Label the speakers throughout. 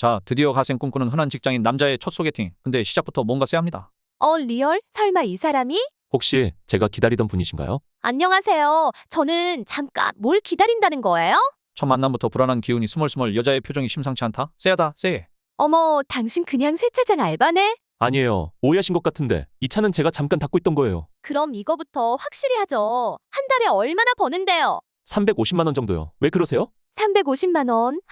Speaker 1: 자, 드디어 가생 꿈꾸는 흔한 직장인 남자의 첫 소개팅. 근데 시작부터 뭔가 쎄합니다.
Speaker 2: 리얼? 설마 이 사람이?
Speaker 3: 혹시 제가 기다리던 분이신가요?
Speaker 2: 안녕하세요. 저는 잠깐 뭘 기다린다는 거예요?
Speaker 1: 첫 만남부터 불안한 기운이 스멀스멀. 여자의 표정이 심상치 않다. 쎄하다, 쎄해.
Speaker 2: 어머, 당신 그냥 세차장 알바네?
Speaker 3: 아니에요. 오해하신 것 같은데 이 차는 제가 잠깐 닦고 있던 거예요.
Speaker 2: 그럼 이거부터 확실히 하죠. 한 달에 얼마나 버는데요?
Speaker 3: 350만 원 정도요. 왜 그러세요?
Speaker 2: 350만 원?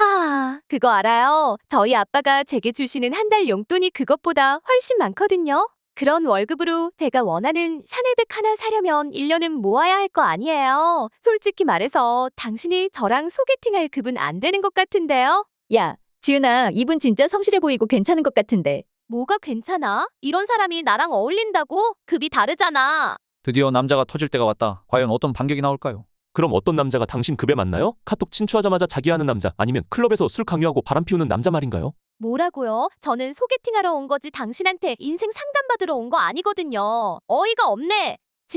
Speaker 2: 그거 알아요. 저희 아빠가 제게 주시는 한 달 용돈이 그것보다 훨씬 많거든요. 그런 월급으로 제가 원하는 샤넬백 하나 사려면 1년은 모아야 할 거 아니에요. 솔직히 말해서 당신이 저랑 소개팅할 급은 안 되는 것 같은데요?
Speaker 4: 야, 지은아, 이분 진짜 성실해 보이고 괜찮은 것 같은데.
Speaker 2: 뭐가 괜찮아? 이런 사람이 나랑 어울린다고? 급이 다르잖아.
Speaker 1: 드디어 남자가 터질 때가 왔다. 과연 어떤 반격이 나올까요?
Speaker 3: 그럼 어떤 남자가 당신 급에 맞나요? 카톡 친추하자마자 자기하는 남자 아니면 클럽에서 술 강요하고 바람 피우는 남자 말인가요?
Speaker 2: 뭐라고요? 저는 소개팅하러 온 거지 당신한테 인생 상담받으러 온 거 아니거든요. 어이가 없네.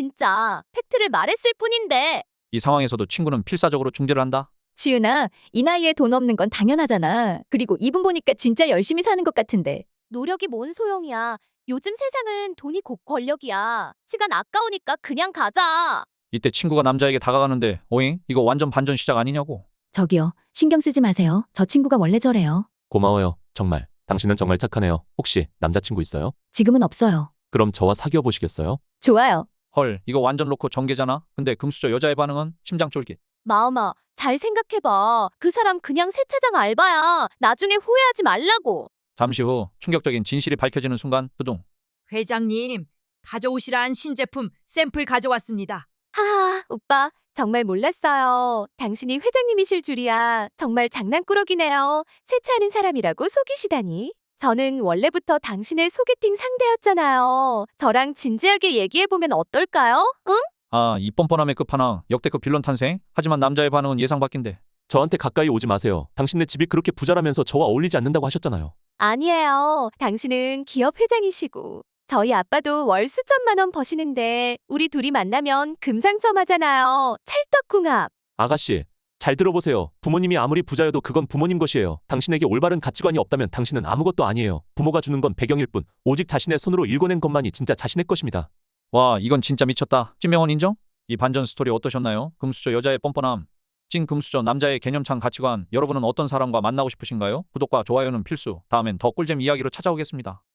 Speaker 2: 진짜 팩트를 말했을 뿐인데.
Speaker 1: 이 상황에서도 친구는 필사적으로 중재를 한다.
Speaker 4: 지은아, 이 나이에 돈 없는 건 당연하잖아. 그리고 이분 보니까 진짜 열심히 사는 것 같은데.
Speaker 2: 노력이 뭔 소용이야. 요즘 세상은 돈이 곧 권력이야. 시간 아까우니까 그냥 가자.
Speaker 1: 이때 친구가 남자에게 다가가는데 오잉? 이거 완전 반전 시작 아니냐고.
Speaker 4: 저기요, 신경 쓰지 마세요. 저 친구가 원래 저래요.
Speaker 3: 고마워요. 정말. 당신은 정말 착하네요. 혹시 남자친구 있어요?
Speaker 4: 지금은 없어요.
Speaker 3: 그럼 저와 사귀어 보시겠어요?
Speaker 4: 좋아요.
Speaker 1: 헐, 이거 완전 놓고 전개잖아. 근데 금수저 여자의 반응은 심장 쫄깃.
Speaker 2: 마음아, 잘 생각해봐. 그 사람 그냥 세차장 알바야. 나중에 후회하지 말라고.
Speaker 1: 잠시 후 충격적인 진실이 밝혀지는 순간 두둥.
Speaker 5: 회장님, 가져오시란 신제품 샘플 가져왔습니다.
Speaker 2: 오빠, 정말 몰랐어요. 당신이 회장님이실 줄이야. 정말 장난꾸러기네요. 세차하는 사람이라고 속이시다니. 저는 원래부터 당신의 소개팅 상대였잖아요. 저랑 진지하게 얘기해보면 어떨까요? 응?
Speaker 1: 아, 이 뻔뻔함의 끝판왕. 역대급 빌런 탄생. 하지만 남자의 반응은 예상 밖인데.
Speaker 3: 저한테 가까이 오지 마세요. 당신네 집이 그렇게 부자라면서 저와 어울리지 않는다고 하셨잖아요.
Speaker 2: 아니에요. 당신은 기업 회장이시고 저희 아빠도 월 수천만 원 버시는데 우리 둘이 만나면 금상첨화잖아요. 찰떡궁합.
Speaker 3: 아가씨, 잘 들어보세요. 부모님이 아무리 부자여도 그건 부모님 것이에요. 당신에게 올바른 가치관이 없다면 당신은 아무것도 아니에요. 부모가 주는 건 배경일 뿐, 오직 자신의 손으로 일궈낸 것만이 진짜 자신의 것입니다.
Speaker 1: 와, 이건 진짜 미쳤다. 찐명원 인정? 이 반전 스토리 어떠셨나요? 금수저 여자의 뻔뻔함. 찐 금수저 남자의 개념찬 가치관. 여러분은 어떤 사람과 만나고 싶으신가요? 구독과 좋아요는 필수. 다음엔 더 꿀잼 이야기로 찾아오겠습니다.